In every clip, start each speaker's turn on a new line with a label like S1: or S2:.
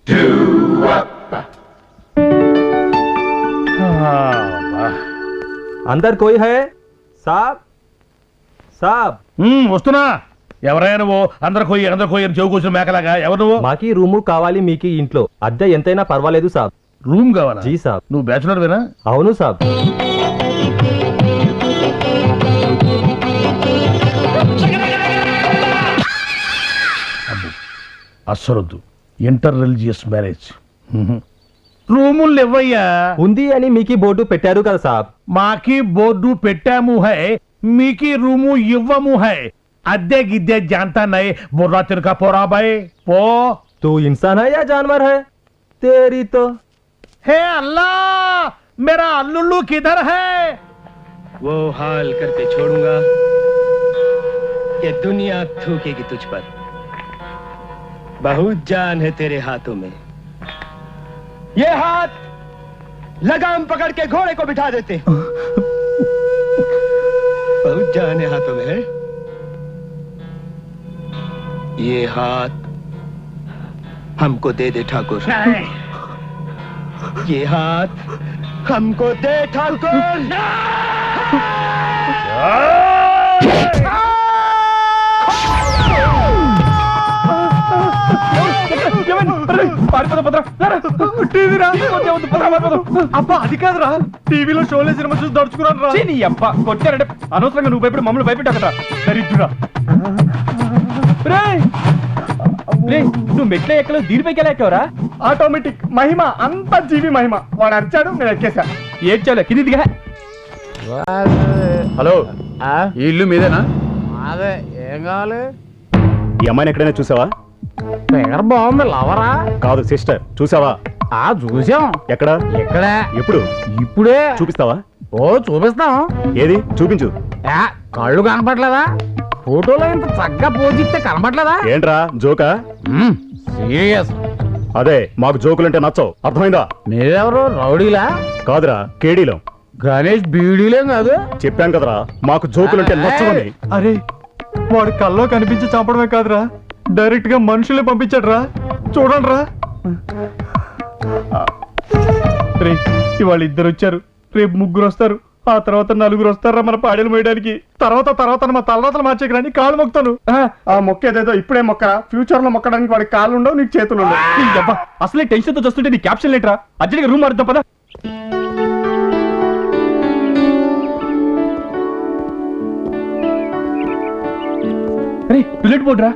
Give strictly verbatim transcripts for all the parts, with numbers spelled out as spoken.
S1: अंदर कोई है साहब साहब
S2: వస్తున్నా ఎవరైనా నువ్వు అందరు కోయి అందరు కోయి అని చెవు కూర్చుని మేకలాగా ఎవరు నువ్వు
S1: మాకి రూము కావాలి మీకి ఇంట్లో అద్దె ఎంతైనా పర్వాలేదు సాబ్
S2: రూమ్ కావాలా
S1: జీ సాబ్
S2: నువ్వు బ్యాచులర్ వేనా
S1: అవును సాబ్
S2: అస్సరొద్దు ఇంటర్ రిలీజియస్ మ్యారేజ్ రూములు ఇవ్వయ్యా
S1: ఉంది అని మీకి బోర్డు పెట్టారు కదా సాబ్
S2: మాకి బోర్డు పెట్టాము హై మీకి రూము ఇవ్వము హై అద్దె గిద్దె జాంతా నై బుర్రా తినక పోరా బాయ్ పో
S1: तू इंसान है या जानवर है तेरी तो
S2: हे अल्लाह मेरा अल्लुल्लू किधर है
S3: वो हाल करके छोड़ूंगा कि दुनिया थूकेगी तुझ पर बहुत जान है तेरे हाथों में ये हाथ लगाम पकड़ के घोड़े को बिठा देते बहुत जान है हाथों में है ये हाथ हमको दे दे ठाकुर ये हाथ हमको दे ठाकुर
S4: అబ్బా అది కాదురా టీవీలో షోలే సినిమా చూసి దడుచుకున్నాను రా నీ అబ్బా కొట్టారంటే అనవసరంగా నువ్వు భయపడి మమ్మల్ని భయపెట్టాకరా దరిద్రుడా నువ్వు మెట్ల ఎక్కలో దీనిపైకి ఎలా ఎక్కావరా ఆటోమేటిక్ మహిమ అంత జీవి మహిమ వాడు అరిచాడు నేను ఎక్కేసా ఏడ్చాలే కిందిగా
S5: హలో ఈ ఇల్లు మీదేనా
S6: అదే ఏం కావాలి
S5: ఈ అమ్మాయిని ఎక్కడైనా చూసావా
S6: ఫిగర్ బాగుంది లవరా
S5: కాదు సిస్టర్ చూసావా
S6: ఆ చూసాం
S5: ఎక్కడ
S6: ఎక్కడ
S5: ఎప్పుడు
S6: ఇప్పుడే
S5: చూపిస్తావా
S6: ఓ చూపిస్తాం
S5: ఏది చూపించు
S6: ఏ, కళ్ళు కనపట్లేదా ఫోటోలో ఇంత చక్కగా పోజిస్తే కనపట్లేదా
S5: ఏంట్రా జోకా
S6: సీరియస్
S5: అదే మాకు జోకులంటే నచ్చవు అర్థమైందా
S6: మీరెవరు రౌడీలా
S5: కాదురా కేడీలో
S6: గణేష్ బీడీలేం కాదు
S5: చెప్పాను కదరా మాకు జోకులంటే నచ్చవని
S4: అరే వాడు కల్లో కనిపించి చంపడమే కాదురా డైరెక్ట్ గా మనుషులే పంపించాడు రా చూడండి రా రే ఇవాళ ఇద్దరు వచ్చారు రేపు ముగ్గురు వస్తారు ఆ తర్వాత నలుగురు వస్తారా మన పాడేలు మోయడానికి తర్వాత తర్వాత మా తలరాతలు మార్చేకి రాని కాళ్ళు మొక్కుతాను ఆ మొక్క ఏదేదో ఇప్పుడే మొక్కరా ఫ్యూచర్ లో మొక్కడానికి వాడి కాళ్ళు ఉండవు నీకు చేతులు ఉండవు నీ అబ్బా అసలే టెన్షన్ తో చూస్తుంటే నీ క్యాప్షన్ లేటరా అర్జెంట్గా రూమ్ మారుద్దాం పదా రే పిల్లట్ పోడ్రా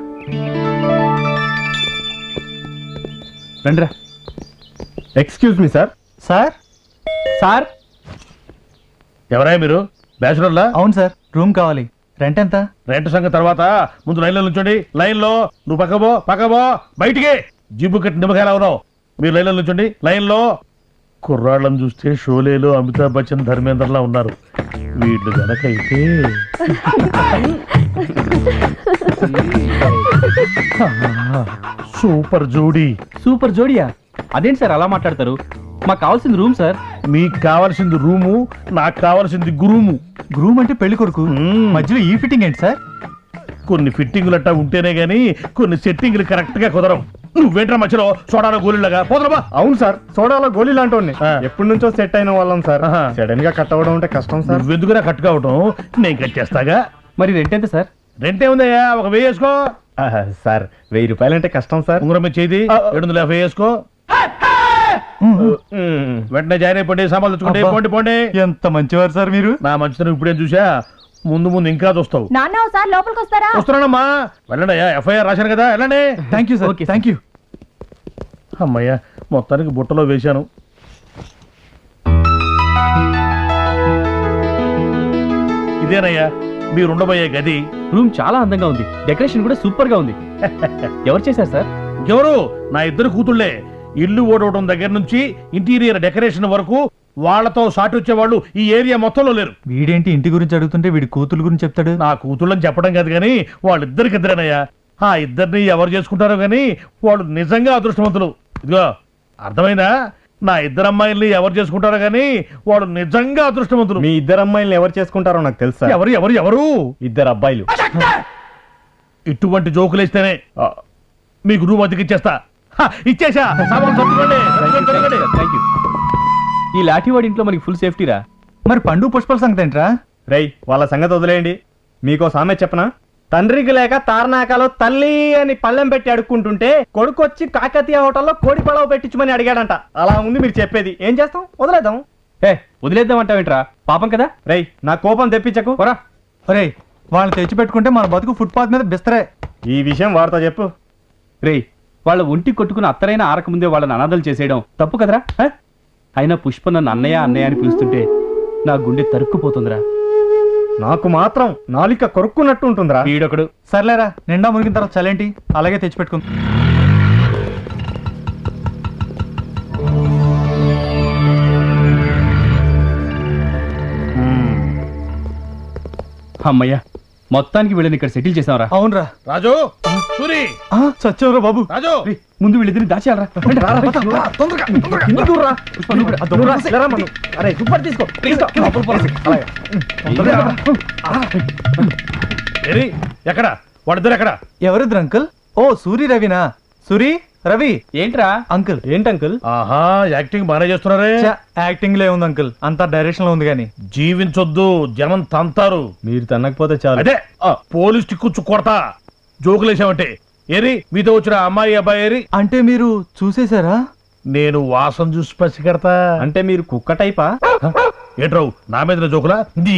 S4: రండిరా excuse me sir sir sir
S2: ఎవరాయ మీరు బ్యాచులర్లా
S4: అవును సార్ రూమ్ కావాలి రెంట్ ఎంత
S2: రెంట్ సంగతి తర్వాత ముందు లైన్లో నుంచోండి లైన్లో నువ్వు పక్కబో పక్కబో బయటికి జిబ్బు కట్టి నిమ్మకాయలా ఉన్నావు మీరు లైన్లో నుంచోండి లైన్లో కుర్రాళ్ళని చూస్తే షోలేలో అమితాబ్ బచ్చన్ ధర్మేంద్రలా ఉన్నారు వీళ్ళు గనకైతే సూపర్ జోడీ
S4: సూపర్ జోడియా అదేంటి సార్ అలా మాట్లాడతారు మాకు కావాల్సింది రూమ్ సార్
S2: మీకు కావాల్సింది రూము నాకు కావాల్సింది గురుము
S4: రూమ్ అంటే పెళ్లి కొడుకు మధ్యలో ఈ ఫిట్టింగ్ ఏంటి సార్
S2: కొన్ని ఫిట్టింగులు అట్టా ఉంటేనే గానీ కొన్ని సెట్టింగ్లు కరెక్ట్ గా కుదరవు నువ్వేంట్రా మధ్యలో సోడాలో గోలీలాగా పోదరబా
S4: అవును సార్ సోడాలో గోళీ లాంటి ఎప్పటి నుంచో సెట్ అయిన వాళ్ళం సార్ సడన్ గా కట్ అవ్వడం అంటే కష్టం సార్
S2: నువ్వెందుకురా కట్ కావటం నేను కట్ చేస్తాగా
S4: మరి రెంట్ ఎంత సార్
S2: రెంట్ ఏముందయ్యా ఒక వెయ్యి వేసుకో
S4: సార్ వెయ్యి రూపాయలు అంటే కష్టం సార్
S2: ఉంగరం మీద చేయి ఏడు వందల యాభై వేసుకో వెంటనే జాయిన్ అయిపోండి సామాన్లు తెచ్చుకోండి పోండి పోండి
S4: ఎంత మంచివారు సార్ మీరు
S2: నా మంచితనం ఇప్పుడేం చూసా ముందు ముందు ఇంకా చూస్తావు
S7: నాన్న ఒకసారి లోపలికి వస్తారా
S2: వస్తున్నానమ్మా వెళ్ళండి అయ్యా ఎఫ్ఐఆర్ రాశాను కదా వెళ్ళండి
S4: thank you sir thank you
S2: అమ్మయ్యా మొత్తానికి బుట్టలో వేశాను ఇదేనయ్యా మీరుండబోయే గది
S4: రూమ్ చాలా అందంగా ఉంది డెకరేషన్ కూడా సూపర్ గా ఉంది ఎవరు చేశారు సార్
S2: ఎవరు నా ఇద్దరు కూతుళ్లే ఇల్లు ఓడవడం దగ్గర నుంచి ఇంటీరియర్ డెకరేషన్ వరకు వాళ్లతో సాటి వచ్చేవాళ్ళు ఈ ఏరియా మొత్తంలో లేరు.
S4: వీడేంటి ఇంటి గురించి అడుగుతుంటే వీడి కూతురు గురించి చెప్తాడు.
S2: నా కూతుళ్ళని చెప్పడం కాదు కానీ వాళ్ళిద్దరికిద్దరేనయ్యా. ఆ ఇద్దరిని ఎవరు చేసుకుంటారో కానీ వాళ్ళు నిజంగా అదృష్టవంతులు. ఇదిగో అర్థమైందా? నా ఇద్దరు అమ్మాయిల్ని ఎవరు చేసుకుంటారో కానీ వాళ్ళు నిజంగా అదృష్టవంతులు.
S4: మీ ఇద్దరు అమ్మాయిల్ని ఎవరు చేసుకుంటారో నాకు తెలుసా.
S2: ఎవరు ఎవరు ఎవరు?
S4: ఇద్దరు అబ్బాయిలు.
S2: ఇటువంటి జోకులేస్తేనే మీకు రూమ్ అతికిచ్చేస్తా. ఇచ్చేసా సామాన్ సర్దుకోండి సర్దుకోండి, సర్దుకోండి.
S3: ఈ లాఠీవాడి ఇంట్లో మనకి ఫుల్ సేఫ్టీరా.
S4: మరి పండు పుష్పల సంగతి ఏంట్రా? రేయ్ వాళ్ళ సంగతి వదిలేయండి. మీకో సామె చెప్పనా? తండ్రికి లేక తారనాకాలో తల్లి అని పళ్ళెం పెట్టి అడుక్కుంటుంటే కొడుకు వచ్చి కాకతీయ హోటల్లో కోడి పడవ పెట్టించమని అడిగాడంట. అలా ఉంది మీరు చెప్పేది. ఏం చేస్తాం? వదిలేద్దాం.
S3: ఏ వదిలేద్దాం అంటావేంట్రా? పాపం కదా.
S4: రేయ్ నా కోపం తెప్పించకు.
S3: పోరా.
S4: రేయ్ వాళ్ళని తెచ్చిపెట్టుకుంటే మన బతుకు ఫుట్పాత్ మీద బిస్తరే. ఈ విషయం వార్త చెప్పు.
S3: రేయ్ వాళ్ళ ఒంటి కొట్టుకుని అత్తరైన ఆరకముందే వాళ్ళని అనాథలు చేసేయడం తప్పు కదరా? హ? అయినా పుష్ప నన్ను అన్నయ్య అన్నయ్య అని పిలుస్తుంటే నా గుండె తరుక్కుపోతుందిరా.
S4: నాకు మాత్రం నాలిక కొరుక్కున్నట్టు ఉంటుందిరా.
S3: వీడొకడు.
S4: సర్లేరా, నిండా మునిగిన తర్వాత చలేంటి అలాగే తెచ్చిపెట్టుకుంది.
S3: అమ్మయ్య మొత్తానికి వీళ్ళని ఇక్కడ సెటిల్ చేసావరా.
S4: అవునరా
S2: రాజు సూరి
S4: సత్యంరా బాబు.
S2: రాజు
S3: ముందు వీళ్ళిద్దరిని దాచేయాలరా.
S2: ఏరి, ఎక్కడ వాడిద్దరు ఎక్కడ?
S4: ఎవరిద్దరు అంకుల్? ఓ సూరి రవినా? సూరి రవి
S3: ఏంట్రా
S4: అంకుల్. ఏంటి అంకుల్?
S2: ఆహా యాక్టింగ్ బాగానే చేస్తున్నారే.
S4: యాక్టింగ్ లే ఉంది అంకుల్, అంతా డైరెక్షన్ లో ఉంది గానీ.
S2: జీవించొద్దు, జనం తంతారు.
S4: మీరు తన్నకపోతే చాలు.
S2: అదే పోలీస్ టిక్కు కొడతా జోకులేసామంటే. ఏరి మీతో వచ్చిన అమ్మాయి అబ్బాయి ఏరి?
S4: అంటే మీరు చూసేశారా?
S2: నేను వాసన చూసి పసిగడతా.
S4: అంటే మీరు కుక్క టైపా?
S2: ఏట్రావు నా మీద జోకులా?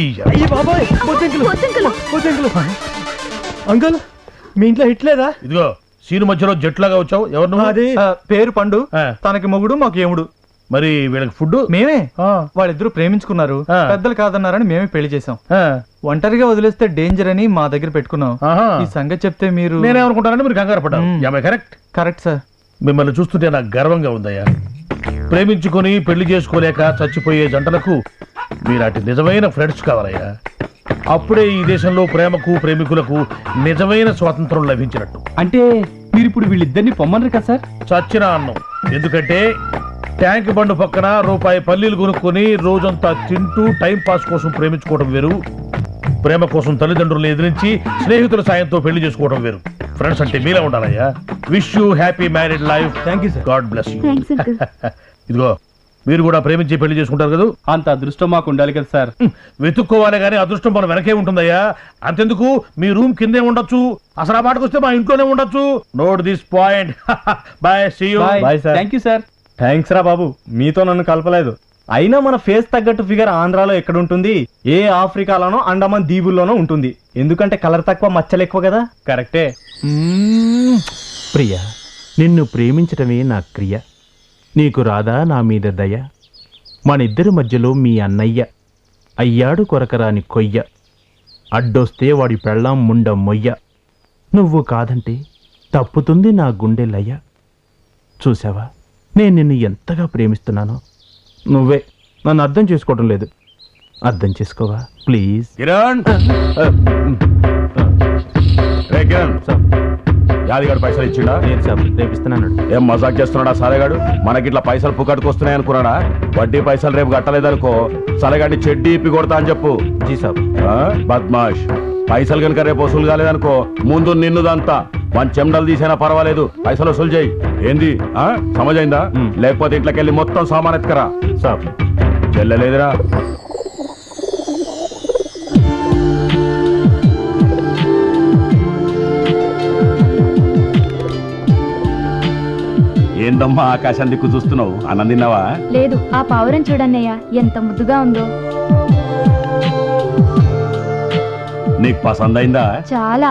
S4: అంకుల్ మీ ఇంట్లో హిట్ లేదా?
S2: ఇదిగో సీను మధ్యలో జట్లాగా వచ్చావు. ఎవరు నువ్వు?
S4: అది పేరు పండు,
S2: ఆ.
S4: తనకి మొగుడు మాకు ఏముడు.
S2: మరి వీళ్ళకి ఫుడ్
S4: మేమే.
S2: ఆ.
S4: వాళ్ళిద్దరూ ప్రేమించుకున్నారు,
S2: ఆ.
S4: పెద్దలు కాదన్నారని మేమే పెళ్లి చేసాం.
S2: ఆ.
S4: ఒంటరిగా వదిలేస్తే డేంజర్ అని మా దగ్గర పెట్టుకున్నాం.
S2: ఆహా.
S4: ఈ సంగతి చెప్తే మీరు.
S2: నేనేమనుకుంటానని మీరు కంగారు పడ్డారు.
S4: మ్.
S2: Am I correct?
S4: Correct sir.
S2: మిమ్మల్ని చూస్తుంటే నాకు గర్వంగా ఉందయ్యా. ప్రేమించుకొని పెళ్లి చేసుకోలేక చచ్చిపోయే జంటలకు మీలాంటి నిజమైన ఫ్రెండ్స్ కావాలయ్యా. అప్పుడే ఈ దేశంలో ప్రేమకు ప్రేమికులకు నిజమైన స్వాతంత్రం లభించినట్టు.
S3: అంటే మీరు ఇప్పుడు వీళ్ళిద్దరిని పొమ్మన్నారు కదా సార్?
S2: చచ్చిన అన్నం. ఎందుకంటే ట్యాంక్ బండు పక్కన రూపాయి పల్లీలు కొనుక్కొని రోజంతా తింటూ టైం పాస్ కోసం ప్రేమించుకోవడం వేరు, ప్రేమ కోసం తల్లిదండ్రులను ఎదిరించి స్నేహితుల సాయంతో పెళ్లి చేసుకోవడం వేరు. ఫ్రెండ్స్ అంటే మీలా ఉండాలయ్యా. Wish you happy married life.
S4: Thank you sir.
S2: God bless you. ఇదిగో మీరు కూడా ప్రేమించి పెళ్లి చేసుకుంటారు కదా?
S3: అంత అదృష్టం మాకు ఉండాలి కదా సార్.
S2: వెతుక్కోవాలి కానీ అదృష్టం మన వెనకే ఉంటుందయ్యా. అంతెందుకు మీ రూమ్ కిందే ఉండొచ్చు, అసలు ఆ పాటకు వస్తే మా ఇంట్లోనే ఉండొచ్చు. Note this point. Bye, see you.
S4: Bye, sir.
S3: Thank you sir.
S4: Thanks రా బాబు, మీతో నన్ను కలపలేదు. అయినా మన ఫేస్ తగ్గట్టు ఫిగర్ ఆంధ్రాలో ఎక్కడ ఉంటుంది? ఏ ఆఫ్రికాలోనో అండమాన్ దీవుల్లోనో ఉంటుంది. ఎందుకంటే కలర్ తక్కువ మచ్చలు ఎక్కువ కదా. కరెక్టే.
S7: ప్రియ, నిన్ను ప్రేమించటమే నా క్రియ. నీకు రాదా నా మీద దయ? మనిద్దరి మధ్యలో మీ అన్నయ్య అయ్యాడు కొరకరాని కొయ్య. అడ్డొస్తే వాడి పెళ్ళాం ముండ మొయ్య. నువ్వు కాదంటే తప్పుతుంది నా గుండె లయ. చూసావా నేను నిన్ను ఎంతగా ప్రేమిస్తున్నానో? నువ్వే నన్ను అర్థం చేసుకోవటం లేదు. అర్థం చేసుకోవా ప్లీజ్?
S5: కిరణ్ రే కిరణ్, యాదిగాడు పైసలు ఇచ్చిండా?
S7: నేను సార్ రేపిస్తున్నాను.
S5: ఏం మజాక్ చేస్తున్నాడా సాలేగాడు? మనకిట్లా పైసలు పుక్కటికి వస్తున్నాయి అనుకున్నాడా? వడ్డీ పైసలు రేపు కట్టలేదనుకో సలగాడిని చెడ్డీ ఇప్పి కొడతా అని చెప్పు.
S7: జీ సాబ్.
S5: ఆ? బద్మాష్. పైసలు కనుక రేపు వసూలు కాలేదనుకో ముందు నిన్నుదంతా మన చెమటలు తీసైనా పర్వాలేదు పైసలు వసూలు చేయి. ఏంది ఆ సమజైందా? లేకపోతే ఇంట్లోకెళ్ళి మొత్తం సామాన్ ఎత్తుకరా.
S7: సాబ్.
S5: చెల్లెలేదురా? ఏందమ్మా ఆకాశం దిక్కు చూస్తున్నావు? అన్నం తిన్నావా?
S8: లేదు, ఆ పావురం చూడన్నయ్య ఎంత ముద్దుగా ఉందో.
S5: నీకు పసందైందా?
S8: చాలా.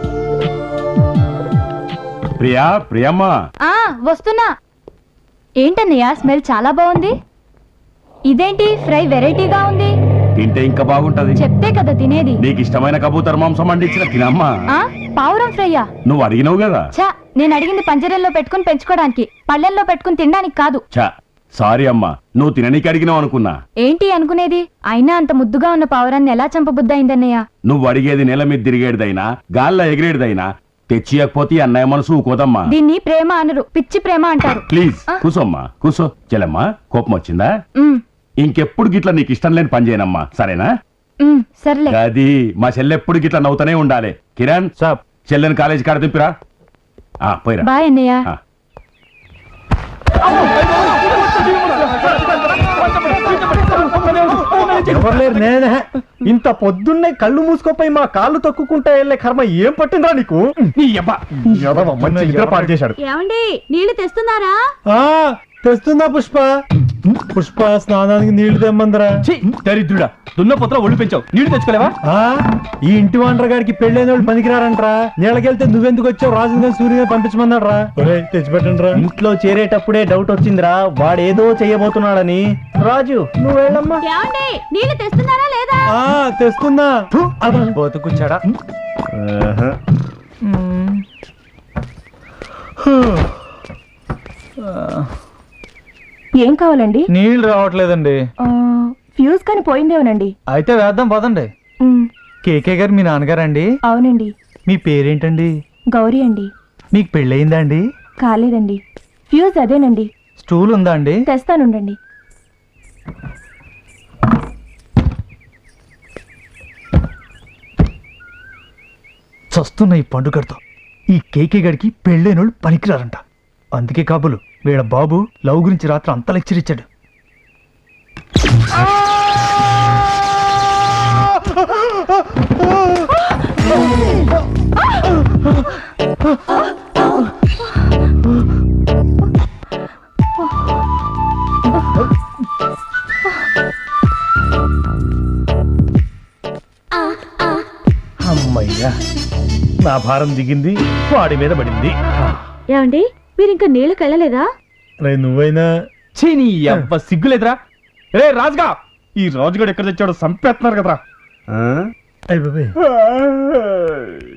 S5: ప్రియా, ప్రియమ్మా.
S8: ఆ వస్తున్నా. ఏంటన్నయ్య స్మెల్ చాలా బాగుంది. ఇదేంటి ఫ్రై వెరైటీగా ఉంది?
S5: తింటే ఇంకా బాగుంటది.
S8: చెప్తే కదా తినేది.
S5: నీకు ఇష్టమైన కబూతర్ మాంసం అందించిన తినమ్మా.
S8: ఆ పావురం ఫ్రైయా?
S5: నువ్వు అడిగినావు కదా.
S8: చా నేను అడిగింది పంజరంలో పెట్టుకుని పెంచుకోవడానికి, పళ్ళెల్లో పెట్టుకుని తినడానికి కాదు.
S5: చా సారీ అమ్మా, నువ్వు తిననీకి అడిగినావు అనుకున్నా.
S8: ఏంటి అనుకునేది? అయినా అంత ముద్దుగా ఉన్న పావురాన్ని ఎలా చంపబుద్దయిందన్నయ్య?
S5: నువ్వు అడిగేది నెల మీద తిరిగేటిదైనా గాల్లో ఎగిరేటిదైనా తెచ్చియకపోతే అన్నయ్య మనసు ఊకోదమ్మా.
S8: దీన్ని ప్రేమ అనరు, పిచ్చి ప్రేమ అంటారు.
S5: ప్లీజ్ కూసోమ్మా, కూసో. చెల్లమ్మా కోపం వచ్చిందా?
S8: ఉమ్,
S5: ఇంకెప్పుడు గిట్లా నీకు ఇష్టం లేని పని చేయనమ్మా, సరేనా?
S8: ఉమ్, సర్లే.
S5: అది మా చెల్లెప్పుడు గిట్లా నవ్వుతూనే ఉండాలి. కిరణ్
S7: సాబ్.
S5: చెల్లెని కాలేజీ కాడ దింపిరా. ఆ, పోయిరా.
S8: బాయ్ అన్నయ్య.
S5: ఆ.
S4: ఎవరు నేనే ఇంత పొద్దున్నే కళ్ళు మూసుకోపోయి మా కాళ్ళు తొక్కుకుంటా వెళ్ళే కర్మ ఏం పట్టిందా నీకు?
S3: నీ అబ్బా
S4: ఎదవ మంచి నిద్ర పాడు చేశాడు.
S8: ఏమండి నీళ్లు తెస్తున్నారా?
S4: ఆ తెస్తుందా పుష్ప? పుష్ప స్నానానికి నీళ్లు తెమ్మందరా.
S3: ఛీ, దరిద్రుడా దున్నపోతలో ఒళ్ళు పెంచావు నీళ్లు తెచ్చుకోలేవా?
S4: ఆ ఈ ఇంటి వాండర్ గారికి పెళ్ళైన వాళ్ళు పనికిరారంట్రా. నీళ్ళకెళ్తే నువ్వెందుకు వచ్చావు? రాజు సూర్యుని పంపించమన్నాడు రా. తెచ్చిపెట్టండి రా. ఇంట్లో చేరేటప్పుడే డౌట్ వచ్చిందిరా, వాడేదో చెయ్యబోతున్నాడని. రాజు నువ్వు వెళ్ళమ్మా.
S8: ఏమండి నీళ్లు తెస్తున్నారా లేదా?
S4: ఆ తెస్తున్నా. బతుకుచ్చాడా?
S8: ఏం కావాలండి?
S4: నీళ్ళు రావట్లేదండి.
S8: ఫ్యూజ్ కానీ పోయిందేమోనండి.
S4: అయితే వేద్దాం పదండి. కేకే గారు మీ నాన్నగారండి?
S8: అవునండి.
S4: మీ పేరేంటండి?
S8: గౌరీ అండి.
S4: మీకు పెళ్ళయిందా అండి?
S8: కాలేదండి. ఫ్యూజ్ అదేనండి.
S4: స్టూల్ ఉందా అండి?
S8: తెస్తానుండండి.
S4: చస్తున్న ఈ పండుగతో ఈ కేకే గడికి పెళ్ళైనోళ్ళు పనికిరారంట. అందుకే కాబులు వీళ్ళ బాబు లవ్ గురించి రాత్రి అంత లెక్చర్ ఇచ్చాడు.
S2: అమ్మయ్యా, నా భారం దిగింది, వాడి మీద పడింది.
S8: ఏమండి మీరు ఇంకా నీళ్ళకి వెళ్ళలేదా?
S4: నువ్వైనా
S3: ఛీ, నీ అబ్బ సిగ్గులేదురా. రే రాజుగా,
S4: ఈ రాజుగాడు ఎక్కడ తెచ్చాడో సంపేస్తున్నారు కదరా.
S2: ఆ?
S4: అయ్య బాబాయ్.